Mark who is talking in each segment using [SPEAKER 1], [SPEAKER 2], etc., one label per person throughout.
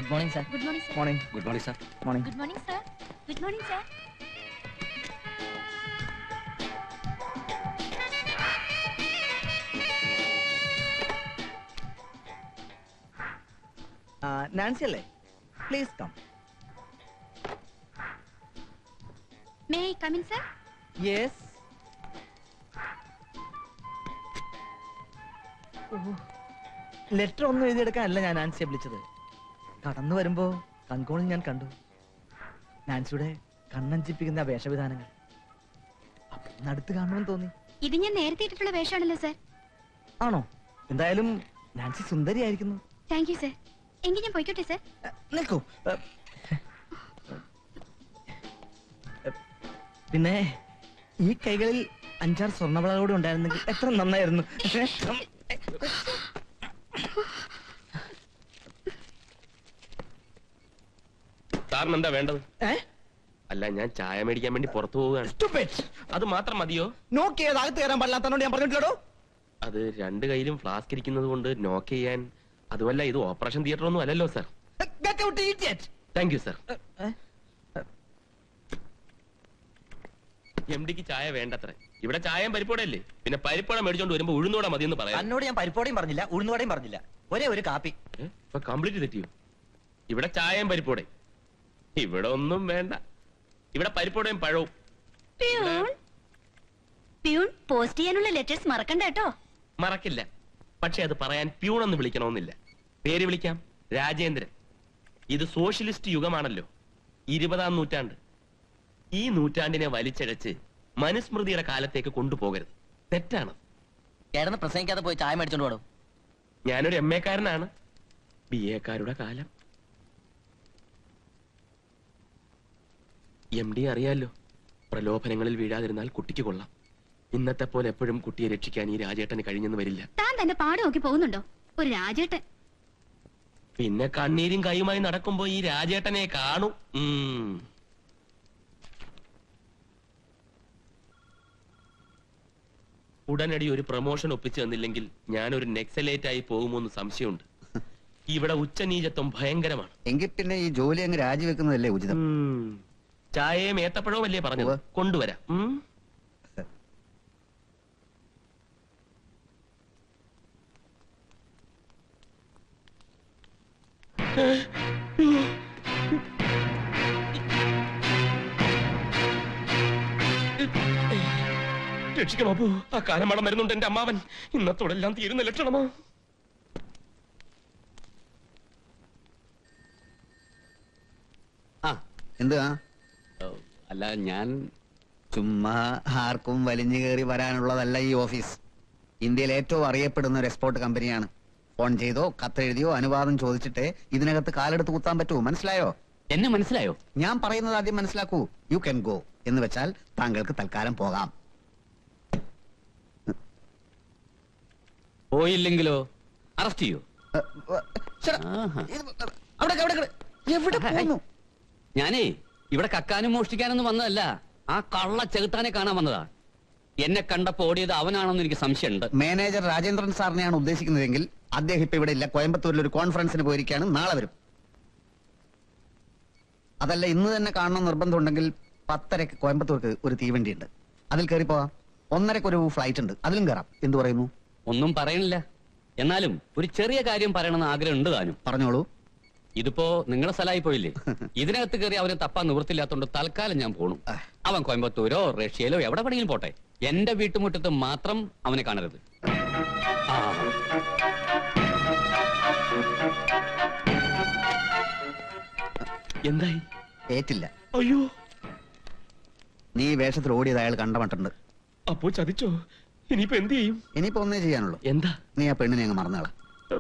[SPEAKER 1] Good morning, sir.
[SPEAKER 2] Good morning, sir.
[SPEAKER 1] Morning.
[SPEAKER 3] Good morning, sir.
[SPEAKER 1] Morning.
[SPEAKER 2] Good morning, sir. Good morning, sir.
[SPEAKER 1] Nancy അല്ലേ? Please come.
[SPEAKER 2] May I come in, sir?
[SPEAKER 1] Yes. Letter ഒന്നും എഴുതിയെടുക്കാനല്ല ഞാൻ നാൻസിയെ വിളിച്ചത്. കടന്നു വരുമ്പോ കൺകോണിൽ ഞാൻ കണ്ടു നാൻസിയുടെ കണ്ണഞ്ചിപ്പിക്കുന്ന വേഷവിധാനങ്ങൾ. അപ്പൊ അടുത്ത് കാണണമെന്ന് തോന്നി.
[SPEAKER 2] ഇത് ഞാൻ നേരത്തെ ഇട്ടിട്ടുള്ള വേഷമാണല്ലോ, സർ.
[SPEAKER 1] ആണോ? എന്തായാലും നാൻസി സുന്ദരിയായിരിക്കുന്നു.
[SPEAKER 2] Thank you, sir. എങ്കിൽ ഞാൻ പോയിക്കോട്ടെ, സർ.
[SPEAKER 1] നിൽക്കൂ. പിന്നെ ഈ കൈകളിൽ 5-6 സ്വർണ്ണവളകളോട് ഉണ്ടായിരുന്നെങ്കിൽ എത്ര നന്നായിരുന്നു.
[SPEAKER 3] സാറിന് എന്താ വേണ്ടത്? അല്ല, ഞാൻ ചായ മേടിക്കാൻ വേണ്ടി പുറത്തു പോവുകയാണ്. അത് മാത്രം മതിയോ?
[SPEAKER 1] നോക്കിയത് അകത്ത് കയറാൻ പാടില്ലാത്തതുകൊണ്ട് ഞാൻ പറഞ്ഞിട്ടുള്ളൂ.
[SPEAKER 3] അത് 2 കയ്യിലും ഫ്ലാസ്ക് ഇരിക്കുന്നത് കൊണ്ട് നോക്ക് ചെയ്യാൻ. അതുമല്ല, ഇത് ഓപ്പറേഷൻ തിയേറ്റർ ഒന്നും അല്ലല്ലോ സാർ. Thank you sir. എംഡിക്ക് ചായ വേണ്ടത്ര. ഇവിടെ ചായയും പരിപ്പോടല്ലേ? പിന്നെ പരിപ്പോട മേടിച്ചോണ്ട് വരുമ്പോ ഉഴുന്നോടെ മതിയെന്ന് പറയാം.
[SPEAKER 4] എന്നോട് ഞാൻ പരിപ്പോടയും പറഞ്ഞില്ല, ഉഴുന്നുവടയും പറഞ്ഞില്ല. ഒരേ ഒരു കാപ്പി.
[SPEAKER 3] ഇപ്പൊ കംപ്ലീറ്റ് തെറ്റിയോ? ഇവിടെ ചായയും പരിപ്പോടെ. ഇവിടെ ഒന്നും വേണ്ട. ഇവിടെ പരിപ്പോടയും പഴവും.
[SPEAKER 2] പ്യൂൺ പോസ്റ്റ് ചെയ്യാനുള്ള ലെറ്റേഴ്സ് മറക്കണ്ട കേട്ടോ.
[SPEAKER 3] മറക്കില്ല. പക്ഷെ അത് പറയാൻ പ്യൂണെന്ന് വിളിക്കണമെന്നില്ല. പേര് വിളിക്കാം, രാജേന്ദ്രൻ. ഇത് സോഷ്യലിസ്റ്റ് യുഗമാണല്ലോ, 20-ാം നൂറ്റാണ്ട്. ഈ നൂറ്റാണ്ടിനെ വലിച്ചഴച്ച് മനുസ്മൃതിയുടെ കാലത്തേക്ക് കൊണ്ടുപോകരുത്. തെറ്റാണ്.
[SPEAKER 4] ചേട്ടന് പ്രസംഗിക്കാതെ പോയി ചായ മേടിച്ചോണ്ട് പോടും.
[SPEAKER 3] ഞാനൊരു MA കാരനാണ്. BA കാരുടെ കാലം. MD അറിയാലോ, പ്രലോഭനങ്ങളിൽ വീഴാതിരുന്നാൽ കുട്ടിക്ക് കൊള്ളാം. ഇന്നത്തെ പോലെ എപ്പോഴും കുട്ടിയെ രക്ഷിക്കാൻ ഈ രാജേട്ടന് കഴിഞ്ഞെന്ന് വരില്ല.
[SPEAKER 2] താൻ തന്നെ പാട് നോക്കി പോകുന്നുണ്ടോ? ഒരു രാജേട്ടൻ.
[SPEAKER 3] പിന്നെ കണ്ണീരും കൈയുമായി നടക്കുമ്പോ ഈ രാജേട്ടനെ കാണും. ഉടനടി ഒരു പ്രൊമോഷൻ ഒപ്പിച്ചു തന്നില്ലെങ്കിൽ ഞാനൊരു നെക്സലേറ്റ് ആയി പോകുമോന്ന് സംശയമുണ്ട്. ഇവിടെ ഉച്ചനീചത്വം ഭയങ്കരമാണ്.
[SPEAKER 5] എങ്കിൽ പിന്നെ ഈ ജോലി അങ്ങ് രാജിവെക്കുന്നതല്ലേ ഉചിതം.
[SPEAKER 3] ചായയും ഏത്തപ്പഴവും അല്ലേ പറഞ്ഞത്? കൊണ്ടുവരാം. രക്ഷിക്കണോ അപ്പോ? ആ കാലമടം വരുന്നുണ്ട് എന്റെ അമ്മാവൻ. ഇന്നത്തോടെല്ലാം തീരുന്ന ലക്ഷണമോ?
[SPEAKER 5] എന്താ?
[SPEAKER 3] അല്ല, ഞാൻ
[SPEAKER 5] ചുമ്മാ ആർക്കും വലിഞ്ഞു കയറി വരാനുള്ളതല്ല ഈ ഓഫീസ്. ഇന്ത്യയിൽ ഏറ്റവും അറിയപ്പെടുന്ന ഒരു എക്സ്പോർട്ട് കമ്പനിയാണ്. ഫോൺ ചെയ്തോ കത്തെഴുതിയോ അനുവാദം ചോദിച്ചിട്ട് ഇതിനകത്ത് കാലെടുത്ത് കുത്താൻ പറ്റൂ. മനസ്സിലായോ?
[SPEAKER 3] എന്നെ മനസ്സിലായോ?
[SPEAKER 5] ഞാൻ പറയുന്നത് ആദ്യം മനസ്സിലാക്കൂ. യു ക്യാൻ ഗോ എന്ന് വെച്ചാൽ താങ്കൾക്ക് തൽക്കാലം പോകാം.
[SPEAKER 3] പോയില്ലെങ്കിലോ അറസ്റ്റ് ചെയ്യൂ?
[SPEAKER 5] എവിടെ പോകുന്നു?
[SPEAKER 6] ഞാനേ ഇവിടെ കക്കാനും മോഷ്ടിക്കാനൊന്നും വന്നതല്ല. ആ കള്ള ചെകുത്താനെ കാണാൻ വന്നതാ. എന്നെ കണ്ടപ്പോ ഓടിയത് അവനാണെന്ന് എനിക്ക് സംശയമുണ്ട്.
[SPEAKER 5] മാനേജർ രാജേന്ദ്രൻ സാറിനെയാണ് ഉദ്ദേശിക്കുന്നതെങ്കിൽ അദ്ദേഹം ഇപ്പൊ ഇവിടെ ഇല്ല. കോയമ്പത്തൂരിൽ ഒരു കോൺഫറൻസിന് പോയിരിക്കുകയാണ്. നാളെ വരും. അതല്ല, ഇന്ന് തന്നെ കാണണം നിർബന്ധമുണ്ടെങ്കിൽ 10:30 കോയമ്പത്തൂർക്ക് ഒരു തീവണ്ടി ഉണ്ട്. അതിൽ കയറി പോവാം. 1:30 ഒരു ഫ്ലൈറ്റ് ഉണ്ട്, അതിലും കയറാം. എന്തു പറയുന്നു?
[SPEAKER 6] ഒന്നും പറയണില്ല. എന്നാലും ഒരു ചെറിയ കാര്യം പറയണമെന്ന് ആഗ്രഹം ഉണ്ട് താനും.
[SPEAKER 5] പറഞ്ഞോളൂ.
[SPEAKER 6] ഇതിപ്പോ നിങ്ങളെ സ്ഥലമായി പോയില്ലേ? ഇതിനകത്ത് കയറി അവനെ തപ്പാൻ നിവൃത്തില്ലാത്തോണ്ട് തൽക്കാലം ഞാൻ പോണു. അവൻ കോയമ്പത്തൂരോ റഷ്യയിലോ എവിടെ വേണമെങ്കിലും പോട്ടെ. എന്റെ വീട്ടുമുറ്റത്ത് മാത്രം അവനെ കാണരുത്.
[SPEAKER 3] എന്തായി?
[SPEAKER 5] ഏറ്റില്ല.
[SPEAKER 3] അയ്യോ,
[SPEAKER 5] നീ വേഷത്തിൽ ഓടിയത് അയാൾ കണ്ടമട്ടുണ്ട്.
[SPEAKER 3] അപ്പോ ചതിച്ചോ? ഇനിയിപ്പോ എന്ത് ചെയ്യും?
[SPEAKER 5] ഇനിയിപ്പോ ഒന്നേ ചെയ്യാനുള്ളൂ.
[SPEAKER 3] എന്താ?
[SPEAKER 5] നീ ആ പെണ്ണിനെ അങ്ങ് മറന്നാളാ.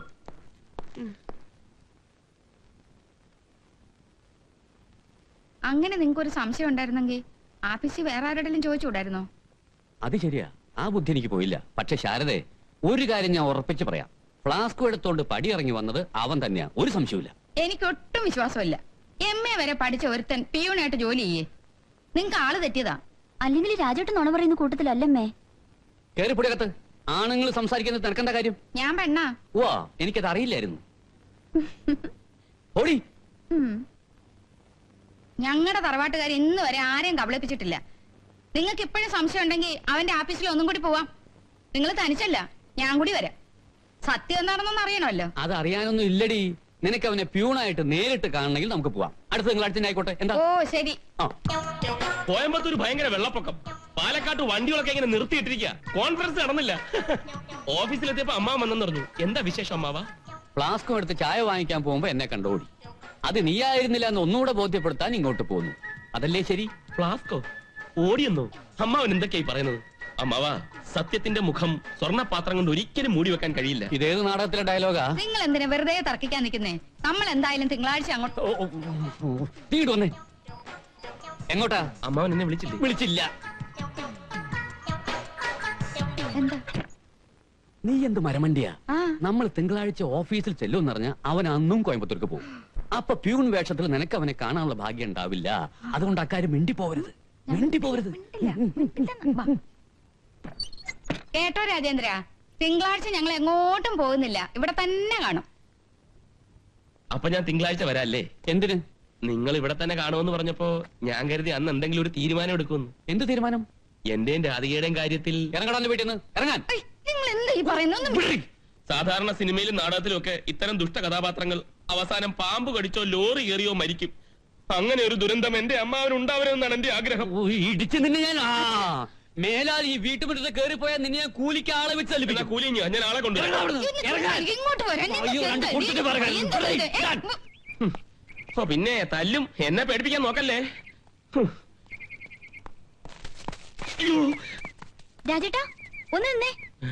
[SPEAKER 2] അങ്ങനെ നിങ്ങൾക്കൊരു സംശയം ഉണ്ടായിരുന്നെങ്കിൽ ആഫീസിൽ വേറെ ആരോടെങ്കിലും ചോദിച്ചുകൂടായിരുന്നോ?
[SPEAKER 6] അത് ശരിയാ, ആ ബുദ്ധി എനിക്ക് പോയില്ല. പക്ഷെ ശാരദേ, ഒരു കാര്യം ഞാൻ ഉറപ്പിച്ച് പറയാം. ഫ്ലാസ്ക് എടുത്തോണ്ട് പടിയിറങ്ങി വന്നത് അവൻ തന്നെയാ, ഒരു സംശയമില്ല.
[SPEAKER 2] എനിക്കൊട്ടും വിശ്വാസമില്ല. MA വരെ പഠിച്ച ഒരുത്തൻ പിയൂണായിട്ട് ജോലി ചെയ്യേ. നിങ്ങക്ക് ആള് തെറ്റിയതാ.
[SPEAKER 7] അല്ലെങ്കിൽ രാജേട്ടൻ നുണ പറയുന്ന കൂട്ടത്തിലല്ലമ്മേ.
[SPEAKER 6] കേറിപ്പൊടിയകത്ത്. ആണുങ്ങൾ സംസാരിക്കുന്നത് തിരക്കേണ്ട കാര്യം.
[SPEAKER 2] ഞാൻ പെണ്ണാ.
[SPEAKER 6] വാ, എനിക്കത് അറിയില്ലായിരുന്നു. ഓടി
[SPEAKER 2] ഞങ്ങളുടെ തറവാട്ടുകാർ ഇന്ന് വരെ ആരെയും കബളിപ്പിച്ചിട്ടില്ല. നിങ്ങൾക്ക് ഇപ്പോഴും സംശയം ഉണ്ടെങ്കിൽ അവന്റെ ആഫീസിൽ ഒന്നും കൂടി പോവാം. നിങ്ങൾ തനിച്ചല്ല, ഞാൻ കൂടി വരാം. സത്യം എന്താണെന്നൊന്നും അറിയണമല്ലോ.
[SPEAKER 6] അത് അറിയാനൊന്നും ഇല്ലടി. നിനക്ക് അവനെ പ്യൂണായിട്ട് നേരിട്ട് കാണണമെങ്കിൽ നമുക്ക് പോവാം. അടുത്ത തിങ്കളാഴ്ച ആയിക്കോട്ടെ. എന്താ?
[SPEAKER 2] ഓ ശരി.
[SPEAKER 3] കോയമ്പത്തൂർ ഭയങ്കര വെള്ളപ്പൊക്കം. പാലക്കാട്ട് വണ്ടികളൊക്കെ ഇങ്ങനെ നിർത്തിയിട്ടിരിക്കുക. കോൺഫറൻസ് നടന്നില്ല. ഓഫീസിലെത്തിയപ്പോ അമ്മാവൻ വന്നെന്ന് പറഞ്ഞു. എന്താ വിശേഷം അമ്മാവ?
[SPEAKER 6] ഫ്ലാസ്കും എടുത്ത് ചായ വാങ്ങിക്കാൻ പോകുമ്പോ എന്നെ കണ്ടോടി. അത് നീയായിരുന്നില്ല എന്ന് ഒന്നുകൂടെ ബോധ്യപ്പെടുത്താൻ ഇങ്ങോട്ട് പോന്നു. അതല്ലേ ശരി?
[SPEAKER 3] ഫ്ലാസ്കോ? ഓടിയെന്നോ? അമ്മാവൻ എന്തൊക്കെയായി പറയുന്നത്? അമ്മാവാ, സത്യത്തിന്റെ മുഖം സ്വർണ്ണപാത്രം കൊണ്ട് ഒരിക്കലും മൂടി വെക്കാൻ കഴിയില്ല.
[SPEAKER 6] ഇതേത് നാടകത്തിലെ ഡയലോഗാ?
[SPEAKER 2] നിങ്ങൾ എന്തിനാ വെറുതെ തർക്കിക്കാൻ നിൽക്കുന്നേ? നമ്മൾ എന്തായാലും തിങ്കളാഴ്ച അങ്ങോട്ട്.
[SPEAKER 6] തീട് വന്നേ. എങ്ങോട്ടാ?
[SPEAKER 3] അമ്മാവൻ എന്നെ വിളിച്ചില്ലേ?
[SPEAKER 6] വിളിച്ചില്ല.
[SPEAKER 2] എന്താ?
[SPEAKER 6] നീ എന്ത് മരമണ്ടിയാ?
[SPEAKER 2] ആ.
[SPEAKER 6] നമ്മൾ തിങ്കളാഴ്ച ഓഫീസിൽ ചെല്ലുമെന്ന് പറഞ്ഞ അവൻ അന്നും കോയമ്പത്തൂർക്ക് പോകും. അപ്പൊ പ്യൂൺ വേഷത്തിൽ നിനക്ക് അവനെ കാണാനുള്ള ഭാഗ്യം ഉണ്ടാവില്ല. അതുകൊണ്ട് അക്കാര്യം മിണ്ടിപ്പോവരുത്. മിണ്ടിപ്പോവരുത്.
[SPEAKER 2] കേട്ടോ രാജേന്ദ്ര, തിങ്കളാഴ്ച ഞങ്ങൾ എങ്ങോട്ടും പോകുന്നില്ല, ഇവിടെ തന്നെ കാണും.
[SPEAKER 3] അപ്പൊ ഞാൻ തിങ്കളാഴ്ച വരാല്ലേ?
[SPEAKER 6] എന്തിന്?
[SPEAKER 3] നിങ്ങൾ ഇവിടെ തന്നെ കാണുമെന്ന് പറഞ്ഞപ്പോ ഞാൻ കരുതി അന്ന് എന്തെങ്കിലും ഒരു തീരുമാനം എടുക്കുമെന്ന്.
[SPEAKER 6] എന്ത് തീരുമാനം?
[SPEAKER 3] എന്റെയും രാധികയുടെയും കാര്യത്തിൽ.
[SPEAKER 6] ഇറങ്ങടാ വീട്ടിൽ നിന്ന്. ഇറങ്ങാൻ.
[SPEAKER 2] നിങ്ങൾ എന്താ ഈ പറയുന്നത്?
[SPEAKER 3] സാധാരണ സിനിമയിലും നാടകത്തിലും ഒക്കെ ഇത്തരം ദുഷ്ട കഥാപാത്രങ്ങൾ അവസാനം പാമ്പ് കടിച്ചോ ലോറി കയറിയോ മരിക്കും. അങ്ങനെ ഒരു ദുരന്തം എന്റെ അമ്മാവന് ഉണ്ടാവരുമെന്നാണ് എന്റെ ആഗ്രഹം.
[SPEAKER 6] ഇടിച്ച് നിന്നെ ഞാൻ മേലാൽ ഈ വീട്ടുമുറ്റത്ത് കയറിപ്പോയാൽ നിന്നെ ഞാൻ കൂലിക്ക് ആളെ വെച്ച്
[SPEAKER 3] എന്നാ കൂലി ഞാൻ ആളെ കൊണ്ടുവരാം.
[SPEAKER 2] ഇങ്ങോട്ട് വരാൻ
[SPEAKER 6] അയ്യോ, രണ്ട് കൊടുത്തിട്ട് പറയാം.
[SPEAKER 3] ഓ പിന്നെ തല്ലും. എന്നെ പേടിപ്പിക്കാൻ നോക്കല്ലേ.
[SPEAKER 7] രാജേട്ടാ ഒന്ന് നിന്നേ.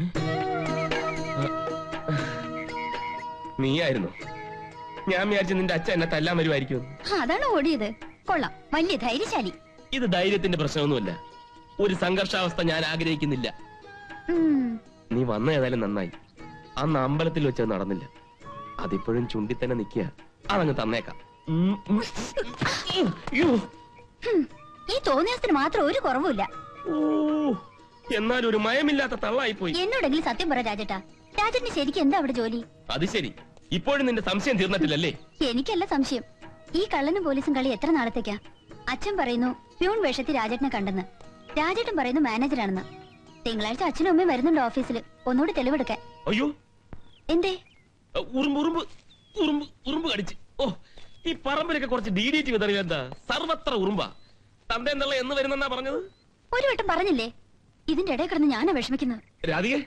[SPEAKER 3] നീയായിരുന്നു. ഞാൻ വിചാരിച്ചു നിന്റെ അച്ഛൻ എന്നെ തല്ലാൻ വരുമായിരിക്കും.
[SPEAKER 7] അതാണ് ഓടിയത്. കൊള്ളാം, വലിയ ധൈര്യശാലി.
[SPEAKER 3] ഇത് ധൈര്യത്തിന്റെ പ്രശ്നമൊന്നുമല്ല. ഒരു സംഘർഷാവസ്ഥ ഞാൻ ആഗ്രഹിക്കുന്നില്ല. നീ വന്ന ഏതായാലും നന്നായി. അന്ന് അമ്പലത്തിൽ വെച്ചത് നടന്നില്ല. അതിപ്പോഴും ചുണ്ടി തന്നെ നിൽക്കുക. അതങ്ങ് തന്നേക്കാം.
[SPEAKER 7] ഈ തോന്നിയത്തിന് മാത്രം ഒരു കുറവുമില്ല.
[SPEAKER 3] എന്നാലും ഒരു മയമില്ലാത്ത തള്ളായി പോയി.
[SPEAKER 7] എന്നോടെങ്കിലും സത്യം പറ രാജേട്ടാ, രാജേട്ടിന് ശരിക്കും എന്താ അവിടെ ജോലി?
[SPEAKER 3] അത് ശരി, ഇപ്പോഴും നിന്റെ സംശയം തീർന്നിട്ടില്ലല്ലേ?
[SPEAKER 7] എനിക്കല്ല സംശയം. ഈ കള്ളനും പോലീസും കളി എത്ര നാളത്തേക്കാ? അച്ഛൻ പറയുന്നു പ്യൂൺ വേഷത്തിൽ രാജേട്ടനെ കണ്ടെന്ന്. രാജേട്ടൻ പറയുന്നു മാനേജറാണെന്ന്. തിങ്കളാഴ്ച അച്ഛനും അമ്മയും വരുന്നുണ്ട് ഓഫീസിൽ, ഒന്നുകൂടി തെളിവെടുക്കാൻ.
[SPEAKER 3] അയ്യോ,
[SPEAKER 7] എന്തേ?
[SPEAKER 3] ഉറുമ്പ് കടിച്ച്. ഓ, ഈ പറമ്പിലൊക്കെ കുറച്ച് DDT വിതറിയ എന്താ? സർവത്ര ഉറുമ്പാ. തന്റെ എന്നുള്ള എന്ന് വരുന്നെന്നാ പറഞ്ഞത്?
[SPEAKER 7] ഒരു വട്ടം പറഞ്ഞില്ലേ? ഇതിന്റെ ഇടയിൽ കിടന്ന് ഞാനാ വിഷമിക്കുന്നത്.
[SPEAKER 3] രാധികേ,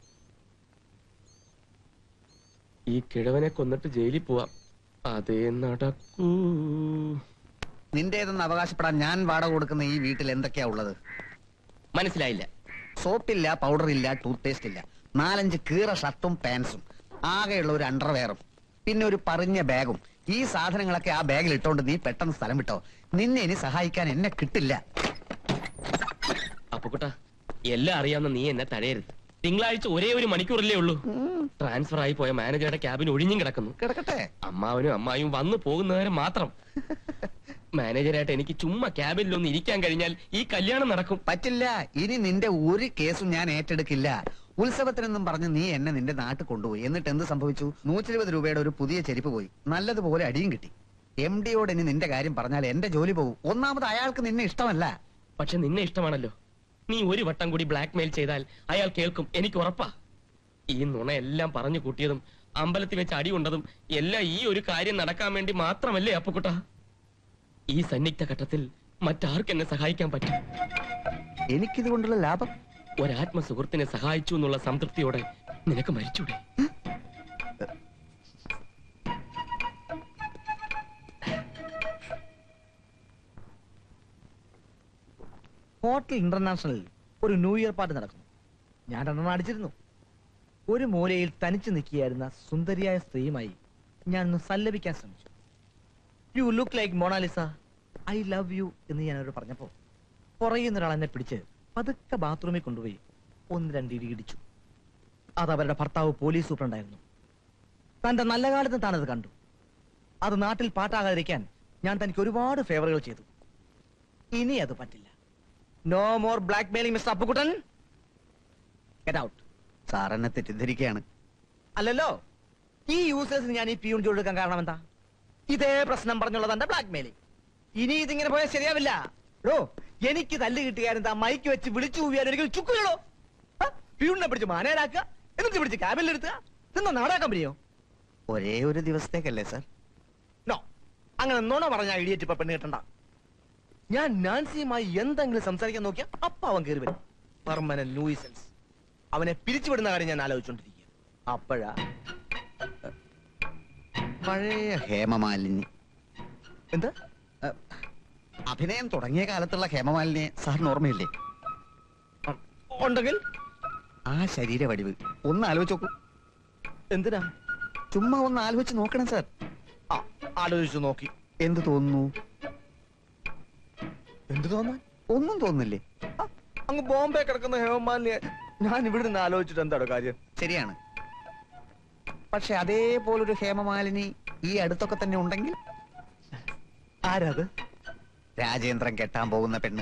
[SPEAKER 3] ഈ കിഴവനെ കൊന്നിട്ട് ജയിലിൽ പോവാം. അതേ നടക്കൂ.
[SPEAKER 5] നിന്റേതെന്ന് അവകാശപ്പെടാൻ ഞാൻ വാടക കൊടുക്കുന്ന ഈ വീട്ടിൽ എന്തൊക്കെയാ ഉള്ളത്?
[SPEAKER 3] മനസ്സിലായില്ല.
[SPEAKER 5] സോപ്പില്ല, പൗഡർ ഇല്ല, ടൂത്ത് പേസ്റ്റ് ഇല്ല, 4-5 കീറ ഷർട്ടും പാൻസും, ആകെയുള്ള ഒരു അണ്ടർവെയറും, പിന്നെ ഒരു പറഞ്ഞ ബാഗും. ഈ സാധനങ്ങളൊക്കെ ആ ബാഗിൽ ഇട്ടോണ്ട് നീ പെട്ടെന്ന് സ്ഥലം വിട്ടോ. നിന്നെ ഇനി സഹായിക്കാൻ എന്നെ കിട്ടില്ല.
[SPEAKER 3] അപ്പുക്കുട്ടാ, എല്ലാം അറിയാവുന്ന നീ എന്നെ തടയരുത്. തിങ്കളാഴ്ച ഒരേ ഒരു മണിക്കൂറല്ലേ ഉള്ളൂ. ട്രാൻസ്ഫർ ആയി പോയ മാനേജറുടെ ക്യാബിൻ ഒഴിഞ്ഞും കിടക്കുന്നു.
[SPEAKER 5] കിടക്കട്ടെ.
[SPEAKER 3] അമ്മാവനും അമ്മായും വന്നു പോകുന്നവരെ മാത്രം. മാനേജരായിട്ട് എനിക്ക് ചുമ്മാ ക്യാബിനിലൊന്ന് ഇരിക്കാൻ കഴിഞ്ഞാൽ ഈ കല്യാണം നടക്കും.
[SPEAKER 5] പറ്റില്ല. ഇനി നിന്റെ ഒരു കേസും ഞാൻ ഏറ്റെടുക്കില്ല. ഉത്സവത്തിനെന്നും പറഞ്ഞ് നീ എന്നെ നിന്റെ നാട്ടിൽ കൊണ്ടുപോയി. എന്നിട്ട് എന്ത് സംഭവിച്ചു? 120 രൂപയുടെ ഒരു പുതിയ ചെരുപ്പ് പോയി. നല്ലതുപോലെ അടിയും കിട്ടി. MD-യോട് ഇനി നിന്റെ കാര്യം പറഞ്ഞാൽ എന്റെ ജോലി പോകും. ഒന്നാമത് അയാൾക്ക് നിന്നെ ഇഷ്ടമല്ല.
[SPEAKER 3] പക്ഷെ നിന്നെ ഇഷ്ടമാണല്ലോ. നീ ഒരു വട്ടം കൂടി ബ്ലാക്ക് മെയിൽ ചെയ്താൽ അയാൾ കേൾക്കും, എനിക്ക് ഉറപ്പാ. ഈ നുണയെല്ലാം പറഞ്ഞു കൂട്ടിയതും അമ്പലത്തിൽ വെച്ച് അടി കൊണ്ടതും എല്ലാം ഈ ഒരു കാര്യം നടക്കാൻ വേണ്ടി മാത്രമല്ലേ അപ്പുക്കുട്ട? ഈ സന്നിഗ്ധ ഘട്ടത്തിൽ മറ്റാർക്ക് എന്നെ സഹായിക്കാൻ പറ്റും?
[SPEAKER 5] എനിക്കിതുകൊണ്ടുള്ള ലാഭം?
[SPEAKER 3] ഒരാത്മ സുഹൃത്തിനെ സഹായിച്ചു എന്നുള്ള സംതൃപ്തിയോടെ നിനക്ക് മരിച്ചൂടെ?
[SPEAKER 1] ഹോട്ടൽ ഇന്റർനാഷണലിൽ ഒരു ന്യൂ ഇയർ പാർട്ടി നടക്കുന്നു. ഞാൻ 2 അടിച്ചിരുന്നു. ഒരു മൂലയിൽ തനിച്ചു നിൽക്കുകയായിരുന്ന സുന്ദരിയായ സ്ത്രീയുമായി ഞാൻ ഒന്ന് സല്ലപിക്കാൻ ശ്രമിച്ചു. You look like Mona Lisa, I love you എന്ന് ഞാൻ അവരോട് പറഞ്ഞപ്പോ പുറയുന്ന ഒരാൾ എന്നെ പിടിച്ച് പതുക്കെ ബാത്റൂമിൽ കൊണ്ടുപോയി 1-2 ഇടി ഇടിച്ചു. അത് അവരുടെ ഭർത്താവ് പോലീസ് സൂപ്രണ്ടായിരുന്നു. തന്റെ നല്ല കാലത്ത് താനത് കണ്ടു. അത് നാട്ടിൽ പാട്ടാകാതിരിക്കാൻ ഞാൻ തനിക്ക് ഒരുപാട് ഫേവറുകൾ ചെയ്തു. ഇനി അത് പറ്റില്ല. No more blackmailing mister Appukuttan. Get out.
[SPEAKER 5] Sir എന്നെ തെറ്റിദ്ധരിക്കുകയാണ്.
[SPEAKER 1] അല്ലല്ലോ, ഈ യൂസേഴ്സിന് ഞാൻ ഈ പിയൂൺ ജോലി എടുക്കാൻ കാരണം എന്താ? ഇതേ പ്രശ്നം പറഞ്ഞുള്ളത് എന്റെ ബ്ലാക്ക് മെയിലിംഗ്. ഇനി ഇതിങ്ങനെ പോയാൽ ശരിയാവില്ല. ഡോ, എനിക്ക് തല്ല് കിട്ടുകാരെന്താ മൈക്ക് വെച്ച് വിളിച്ചു പോയാൽ ഒരിക്കൽ ചുക്കുകളോ? പ്യൂണിനെ പിടിച്ച് മാനേരാക്കുക, എന്നിട്ട് പിടിച്ച് ക്യാബിനിലെടുത്തുക. ഇതെന്താ നാടക കമ്പനിയോ?
[SPEAKER 5] ഒരേ ഒരു ദിവസത്തേക്കല്ലേ സാർ?
[SPEAKER 1] നോ, അങ്ങനെ നുണ പറഞ്ഞ ഇടിയേറ്റ് ഇപ്പൊ പെണ്ണ് കിട്ടണ്ട. ഞാൻ നാൻസിയുമായി എന്തെങ്കിലും സംസാരിക്കാൻ നോക്കിയാ അപ്പ അവൻ കയറി വരും. Permanent nuisance. അവനെ പിരിച്ചുവിടുന്ന കാര്യം ഞാൻ ആലോചിച്ചോണ്ടിരിക്കുക. അപ്പോഴാ
[SPEAKER 5] പഴയ ഹേമമാലിനി.
[SPEAKER 1] എന്താ?
[SPEAKER 5] അഭിനയം തുടങ്ങിയ കാലത്തുള്ള ഹേമമാലിനിയെ സാറിന് ഓർമ്മയില്ലേ?
[SPEAKER 1] ഉണ്ടെങ്കിൽ
[SPEAKER 5] ആ ശരീര വടിവ് ഒന്ന് ആലോചിച്ച് നോക്കൂ.
[SPEAKER 1] എന്തിനാ?
[SPEAKER 5] ചുമ്മാ ഒന്ന് ആലോചിച്ച് നോക്കണം സാർ.
[SPEAKER 1] ആ, ആലോചിച്ചു നോക്കി.
[SPEAKER 5] എന്ത് തോന്നുന്നു?
[SPEAKER 1] എന്ത് തോന്നാൻ?
[SPEAKER 5] ഒന്നും തോന്നുന്നില്ലേ?
[SPEAKER 1] അങ്ങ് ബോംബെ കിടക്കുന്ന ഹേമമാലിനിയെ ഞാൻ ഇവിടെ നിന്ന് ആലോചിച്ചിട്ട് എന്താണ് കാര്യം?
[SPEAKER 5] ശരിയാണ്. പക്ഷെ അതേപോലൊരു ഹേമമാലിനി ഈ അടുത്തൊക്കെ തന്നെ ഉണ്ടെങ്കിൽ?
[SPEAKER 1] ആരാത്?
[SPEAKER 5] രാജേന്ദ്രൻ കെട്ടാൻ പോകുന്ന പെണ്ണ്.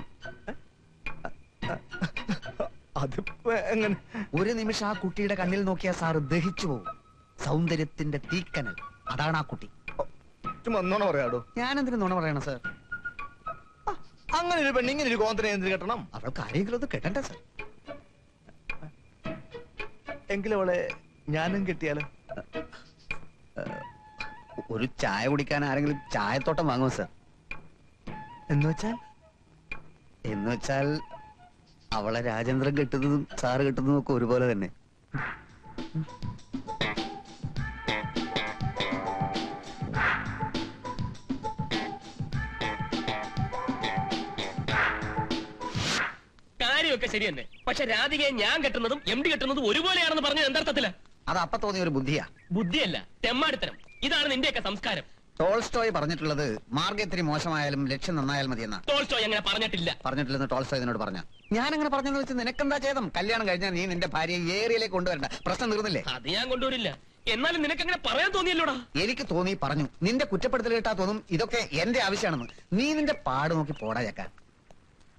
[SPEAKER 1] അത് എങ്ങനെ?
[SPEAKER 5] ഒരു നിമിഷം ആ കുട്ടിയുടെ കണ്ണിൽ നോക്കിയാൽ സാറ് ദഹിച്ചു പോകും. സൗന്ദര്യത്തിന്റെ തീക്കനൽ, അതാണ് ആ കുട്ടി.
[SPEAKER 1] ചുമ്മാ നുണ പറയാടോ.
[SPEAKER 5] ഞാനെന്തിനു നുണ പറയണം സാർ?
[SPEAKER 1] അങ്ങനെ ഒരു പെണ്ണ് ഇങ്ങനെ ഒരു കോന്തനെ എന്തിനു കെട്ടണം?
[SPEAKER 5] അവൾക്ക് ആരെങ്കിലും ഒന്ന് കെട്ടണ്ടേ സാർ?
[SPEAKER 1] എങ്കിലും അവളെ ഞാനും കെട്ടിയാലോ?
[SPEAKER 5] ഒരു ചായ കുടിക്കാൻ ആരെങ്കിലും ചായത്തോട്ടം വാങ്ങുമോ സാർ? എന്ന് വെച്ചാൽ അവളെ രാജേന്ദ്രൻ കെട്ടുന്നതും സാറ് കെട്ടുന്നതും ഒക്കെ ഒരുപോലെ തന്നെ.
[SPEAKER 3] കാര്യമൊക്കെ ശരി തന്നെ. പക്ഷെ രാധികയെ ഞാൻ കെട്ടുന്നതും MD കെട്ടുന്നതും ഒരുപോലെയാണെന്ന് പറഞ്ഞത് എന്തർത്ഥത്തില്?
[SPEAKER 5] അത് അപ്പൊ തോന്നിയ ഒരു ബുദ്ധിയാ.
[SPEAKER 3] ബുദ്ധിയല്ല, തെമ്മാടിത്തരം. ഇതാണ് നിന്റെയൊക്കെ സംസ്കാരം.
[SPEAKER 5] ടോൾസ്റ്റോയ് പറഞ്ഞിട്ടുള്ളത് മാർഗ്ഗം ഇത്തിരി മോശമായാലും ലക്ഷ്യം നന്നായാൽ മതിയെന്നാ.
[SPEAKER 3] ടോൾസ്റ്റോയ് അങ്ങനെ പറഞ്ഞിട്ടില്ല.
[SPEAKER 5] പറഞ്ഞിട്ടില്ലെന്ന് ടോൾസ്റ്റോയ് എന്നോട് പറഞ്ഞ. ഞാൻ അങ്ങനെ പറഞ്ഞെന്ന് വെച്ച് നിനക്കെന്താ ചെയ്തം? കല്യാണം കഴിഞ്ഞാൽ നീ നിന്റെ ഭാര്യയെ ഏരിയയിലേക്ക് കൊണ്ടുവരണ്ട. പ്രശ്നം തീർന്നില്ലേ?
[SPEAKER 3] അത് ഞാൻ കൊണ്ടുവരില്ല. എന്നാലും നിനക്കങ്ങനെ പറയാൻ തോന്നിയല്ലോടാ.
[SPEAKER 5] എനിക്ക് തോന്നി പറഞ്ഞു. നിന്റെ കുറ്റപ്പെടുത്തൽ കേട്ടാ തോന്നും ഇതൊക്കെ എന്റെ ആവശ്യമാണെന്ന്. നീ നിന്റെ പാട് നോക്കി പോടാ ചക്ക.